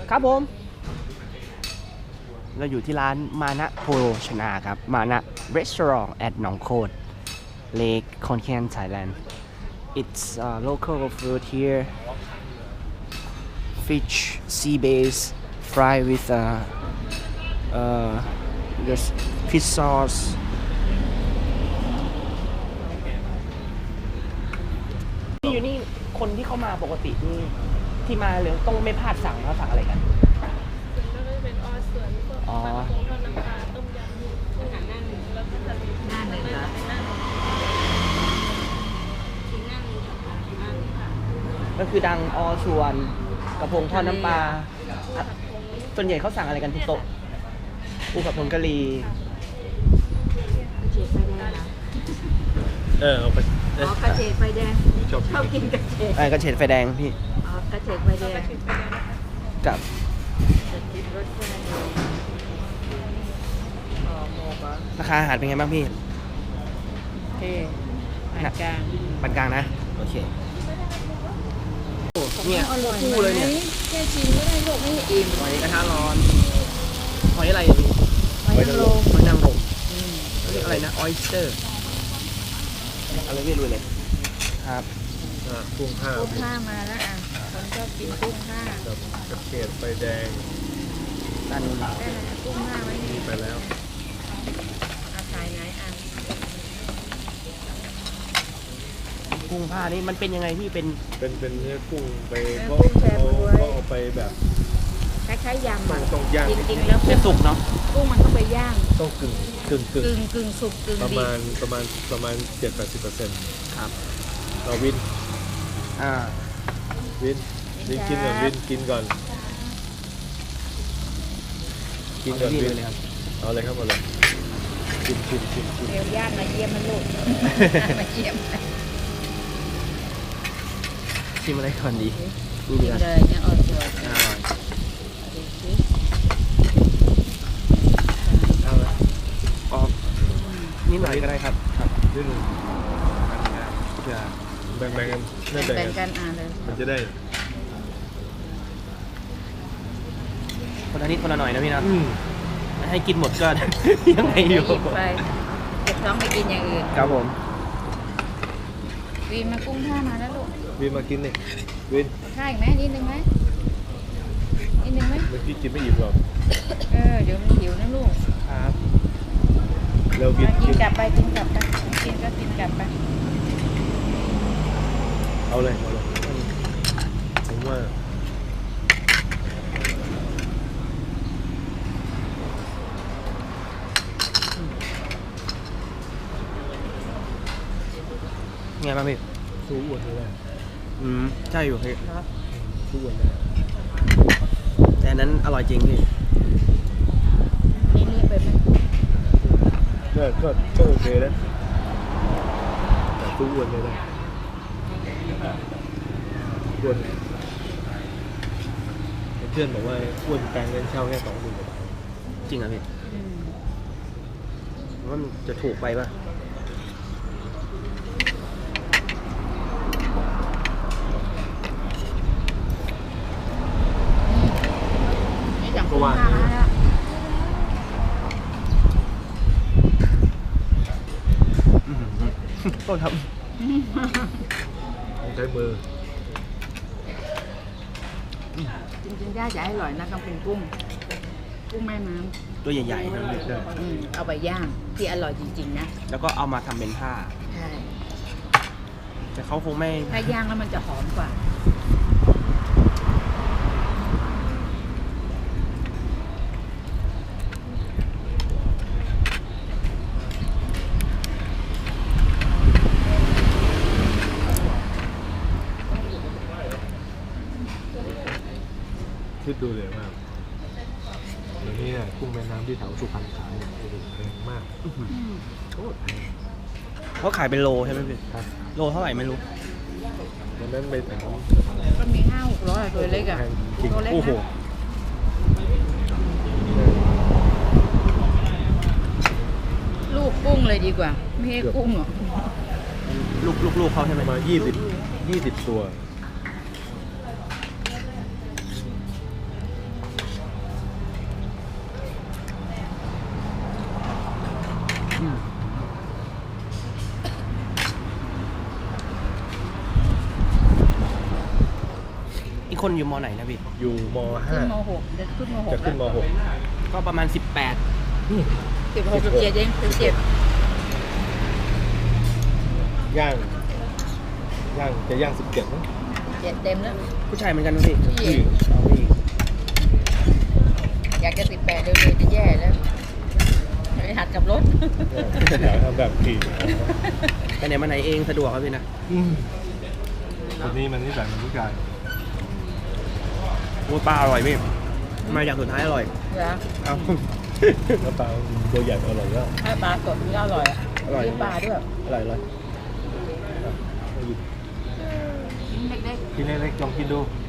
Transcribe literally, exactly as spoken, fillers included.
ครับผมเราอยู่ที่ร้านมานะโภชนาครับมานะรีสอร์ทแอดหนองโคดเลคคอนแคนไทยแลนด์ it's uh, local food here fish sea bass fried with uh, uh, there's fish sauceนี่อยู่นี่คนที่เข้ามาปกตินี่ที่มาเลยต้องไม่พลาดสั่งเขาสั่งอะไรกันแล้วก็จะเป็นออส่วนพวกปลากระพงทอดน้ำปลาต้มยำอาหารหน้าหนึ่งแล้วก็ทะเลหน้าหนึ่งนะหน้าหนึ่งชิ้นหน้าหนึ่งค่ะอันนี้ค่ะก็คือดังออส่วนกระพงทอดน้ำปลาส่วนใหญ่เขาสั่งอะไรกันทุกโต๊ะปูกับผงกะหรี่กระเฉดไฟแดงนะเออเอาไปอ๋อกระเฉดไฟแดงชอบชอบกินกระเฉดไอ้กระเฉดไฟแดงพี่อ๋อกระเฉดไฟแดงกับจะคิดรสชาติดีอ๋อโมกะราคาอาหารเป็นไงบ้างพี่โอเคปานกลางปานกลางนะโอเคโอ้เนี่ยคู่เลยเนี่ยแค่ชิมก็ได้ลูกไม่อิ่มหอยกระทะร้อนหอยอะไรอ่ะพี่หอยนางรมหอยนางรมอืมเรียกอะไรนะออยสเตอร์อะไรไม่รู้เลยครับอ่ากุ้งห้ากุ้งผ้ามาแล้วอ่ะคนชอบกินกุ้งผ้ากับกระเทียมไฟแดงด้านนู้นได้เลยกุ้งผ้าไว้นี่ไปแล้วเอาขายไหนอ่ะกุ้งผ้านี่มันเป็นยังไงพี่เป็นเป็นเป็นเนื้อกุ้งไปเนื้อเขากุ้งแช่เขาบ๊วยเขาเอาไปแบบคล้ายๆยำอ่ะต้องย่างจริงๆแล้วเป็นสุกเนาะกุ้งมันต้องไปย่างต้องกึ่งกึ่งกึ่งกึ่งกึ่งสุกกึ่งประดิบมาณประมาณประมาณเจ็ดแปดสิบเปอร์เซ็นต์ครับเราวินอ่าวินวินกินก่อนวินกินก่อนกินก่อนพี่วินเลยครับเอาเลยครับเอาเลยชิมชิมชิมชิมเดี๋ยวย่างมาเยี่ยมมันลูก มาเยี่ยมชิมอะไรก่อนดีนี่กิดีนกว่าเลยเนี่ยอ่อนตัวอร่อยดูสิเอาละอ๋อนิดหน่อยก็ได้ครับครับนิดนึงเพื่อแบ่งแบ่งกันไม่แบ่งแบ่งกักัน นอ่านเลยมันจะได้คนละนิดคนละหน่อยนะพี่นะอืมให้กินหมดก็ ยังไงอยู่หยิบไปเก็บท้องไปกินอย่างอื่นครับผมวีมากุ้งท่ามาแล้วลูกวินมากินนี่วินเอาข้าวอีกไหมนิดนึงไหมนิดนึงไหมเมื่อกี้กินไม่อิ่มหรอกเออเดี๋ยวมันหิวนะลูกครับเราวินมากิกินนกลับไปกินกลับไปกินก็กินกลับไปเอาเลยเอาเลยผมว่าไงบ้างพี่สู้อ้วนเลยอืมใช่อยู่พี่สู้อ้วนเลยแต่อันนั้นอร่อยจริงพี่นี่นี่ไปไหมก็ก็ก็โอเคนะแต่สู้อ้วนเลยนะอ้วนเพื่อนบอกว่าอ้วนแปลงเงินเช่าแค่สองหมื่นกว่าบาทจริงเหรอพี่อืมว่ามันจะถูกไปป่ะนี่จังกุ้งท่ามาแล้วอื้อหือโทษครับต้องใช้มือจริงๆย่าจะให้อร่อยนะต้องเป็นกุ้ง กุ้งแม่น้ตัวใหญ่ๆนะพี่ได้ำอืมเอาไปย่างที่อร่อยจริงๆนะแล้วก็เอามาทำเป็นผ้าใช่แต่เขาคงไม่ถ้าย่างแล้วมันจะหอมกว่าคิดดูเลยว่าเดี๋ยวนี้เนี่ยกุ้งแม่น้ำที่แถวสุพรรณขายเนี่ยโอ้โหแพงมากอื้อหือโคตรแพงเขาขายเป็นโลใช่ไหมพี่ครับโลเท่าไหร่ไม่รู้วันนั้นไปถามก็มีห้าหกร้อยตัวเล็กอ่ะแพงจริงตัวเล็กโอ้โหนะลูกกุ้งเลยดีกว่า ไม่ให้กุ้งหรอกลูกลูกลูกเขาใช่ไหมประมาณยี่สิบยี่สิบตัวคนอยู่มไหนนะพี่อยู่มขึ้ห้านมหกเด็กขึ้นมหจะกขึ้นมหกก็ประมาณสิบแปดสิบหกสิบเจ็ดเองสิบเจ็ดย่าง ย่างจะย่างสิบเจ็ดมั้งเจ็ดเต็มแล้วผู้ชายเหมือนกันนะพี่ผู้หญิงเอาพี่อยากจะสิบแปดเร็วๆจะแย่แล้วไปหัดกับรถอยากทำแบบขี่ไปไหนมาไหนเองสะดวกครับพี่นะคนนี้มันนิสัยเหมันผู้ชายโอ้ปลาอร่อยพี่มาอย่างสุดท้ายอร่อยเหรอเอาแล้วปลาตัวใหญ่อร่อยแล้วให้ปลาสดนี่ก็อร่อยอะอร่อยซื้ปลาด้วยอร่อยเลยชิ้นเล็กกินเล็กๆลองกินดูๆ